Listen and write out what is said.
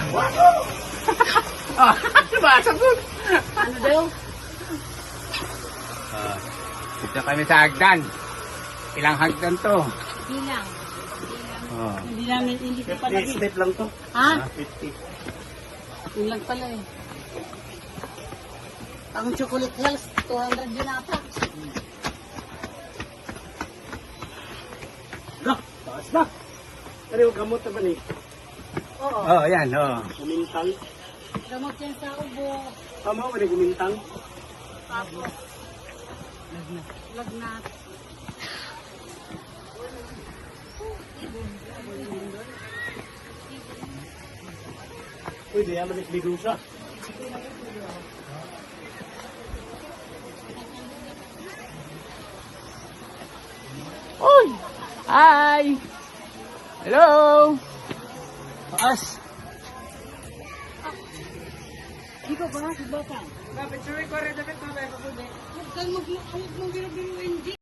Ah, sumasagot. Ano daw? Dito kami sa hagdan. Ilang hagdan to? Bilang. Oh. Hindi namin, hindi ko pa lagi. Step lang to. Ha? 50. Yun lang pala eh. Ang chocolate hills, 200 yun ata. Ga, taas na. Pero yung gamot naman eh. Oo. Oh, yan, oh. Gumintang. Gamot yan sa ubo. Tama ko na gumintang. Tapos, lagnat. Uy, di yaman ikligo siya. Uy! Hi! Hello! Taas! Ikaw ba? Si Bata? Dapat suwi ko rin dapat mamaya ko. Huwag kang mag-binibindi.